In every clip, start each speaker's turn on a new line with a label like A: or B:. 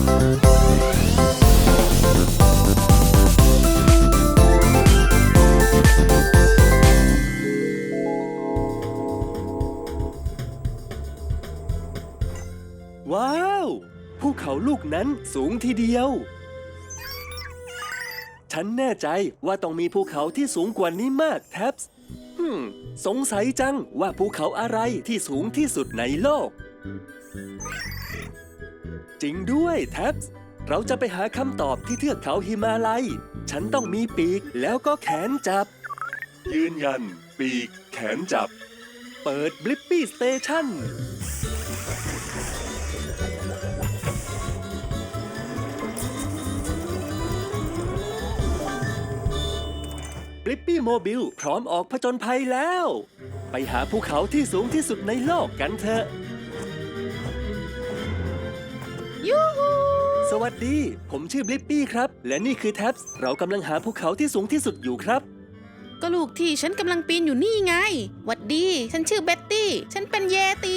A: ว้าวภูเขาลูกนั้นสูงทีเดียวฉันแน่ใจว่าต้องมีภูเขาที่สูงกว่านี้มากแท็บส์สงสัยจังว่าภูเขาอะไรที่สูงที่สุดในโลกจริงด้วยแท็บส์เราจะไปหาคำตอบที่เทือกเขาหิมาลัยฉันต้องมีปีกแล้วก็แขนจับยืนยันปีกแขนจับเปิดบลิปปี้สเตชันบลิปปี้โมบิลพร้อมออกผจญภัยแล้วไปหาภูเขาที่สูงที่สุดในโลกกันเถอะ
B: ยูฮู
A: สวัสดีผมชื่อบลิปปี้ครับและนี่คือแท็บส์เรากำลังหาภูเขาที่สูงที่สุดอยู่ครับ
B: ก็ลูกที่ฉันกำลังปีนอยู่นี่ไงหวัดดีฉันชื่อเบ็ตตี้ฉันเป็นเยตี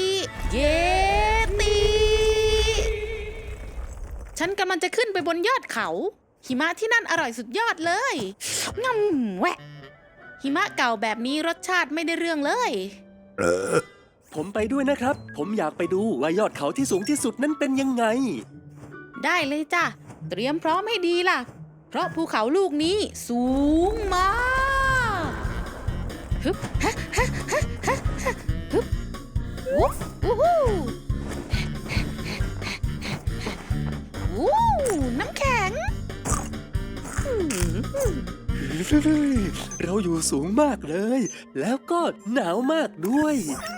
B: ฉันกำลังจะขึ้นไปบนยอดเขาหิมะที่นั่นอร่อยสุดยอดเลยง่ำแหวะหิมะเก่าแบบนี้รสชาติไม่ได้เรื่องเลย
A: ผมไปด้วยนะครับผมอยากไปดูว่ายอดเขาที่สูงที่สุดนั้นเป็นยังไง
B: ได้เลยจ้ะเตรียมพร้อมให้ดีล่ะเพราะภูเขาลูกนี้สูงมากฮึบฮะฮะฮะฮะฮึบวู้ฮู้วู้น้ำแข็ง
A: เราอยู่สูงมากเลยแล้วก็หนาวมากด้วย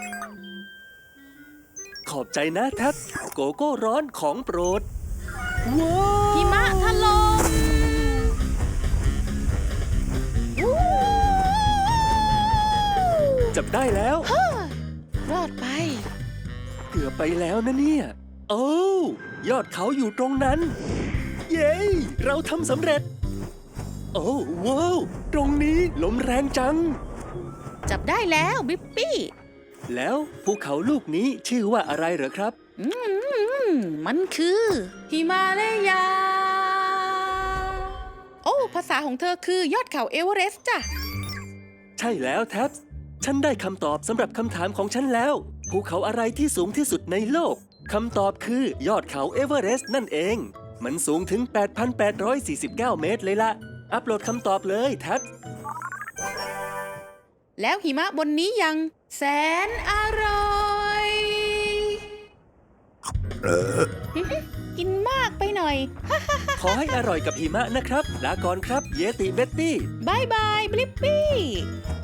A: ขอบใจนะแท็บโกโก้ร้อนของโปรดว้าว
B: หิมะถล่ม
A: จับได้แล้ว
B: รอดไป
A: เกือบไปแล้วนะเนี่ยโอ้ยอดเขาอยู่ตรงนั้นเย้เราทำสำเร็จโอ้ว้าวตรงนี้ลมแรงจัง
B: จับได้แล้วบิ๊ปปี้
A: แล้วภูเขาลูกนี้ชื่อว่าอะไรเหรอครับ
B: มันคือหิมาลายาโอ้ภาษาของเธอคือยอดเขาเอเวอเรสต์จ้ะ
A: ใช่แล้วแท็บฉันได้คำตอบสำหรับคำถามของฉันแล้วภูเขาอะไรที่สูงที่สุดในโลกคำตอบคือยอดเขาเอเวอเรสต์นั่นเองมันสูงถึง 8,849 เมตรเลยล่ะอัปโหลดคำตอบเลยแท็บ
B: แล้วหิมะบนนี้ยังแสนอร่อยกินมากไปหน่อย
A: ขอให้อร่อยกับหิมะนะครับลาก่อนครับเยติเบ็ตตี้
B: บายบายบลิปปี้